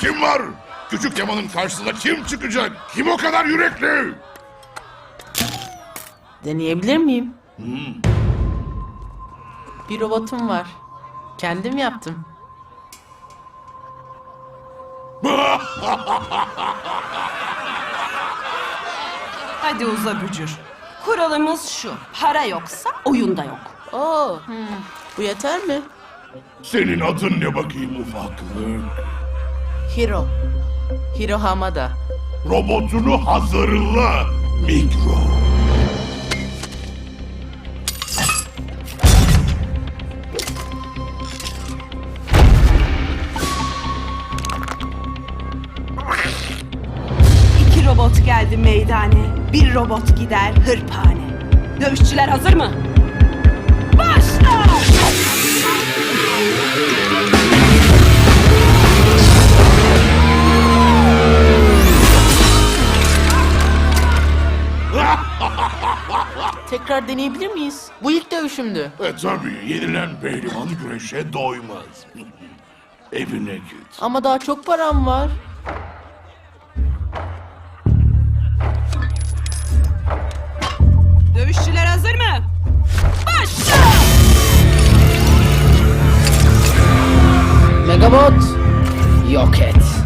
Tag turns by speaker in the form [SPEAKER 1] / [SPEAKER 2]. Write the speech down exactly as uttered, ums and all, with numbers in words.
[SPEAKER 1] kim var? Küçük Kemal'in karşısına kim çıkacak? Kim o kadar yürekli?
[SPEAKER 2] Deneyebilir miyim? Bir robotum var. Kendim yaptım.
[SPEAKER 3] Hadi uza bücür. Kuralımız şu. Para yoksa oyunda yok.
[SPEAKER 2] Oo, hmm, bu yeter mi?
[SPEAKER 1] Senin adın ne bakayım ufaklık?
[SPEAKER 2] Hiro. Hiro Hamada.
[SPEAKER 1] Robotunu hazırla Mikro.
[SPEAKER 3] İki robot geldi meydane. Bir robot gider hırpane. Dövüşçüler hazır mı? Başla!
[SPEAKER 2] Tekrar deneyebilir miyiz? Bu ilk dövüşümdü.
[SPEAKER 1] E tabii yenilen pehlivan güreşe doymaz. Evine git.
[SPEAKER 2] Ama daha çok param var.
[SPEAKER 3] Dövüşçüler hazır mı? Başla!
[SPEAKER 2] Megabot, yok et.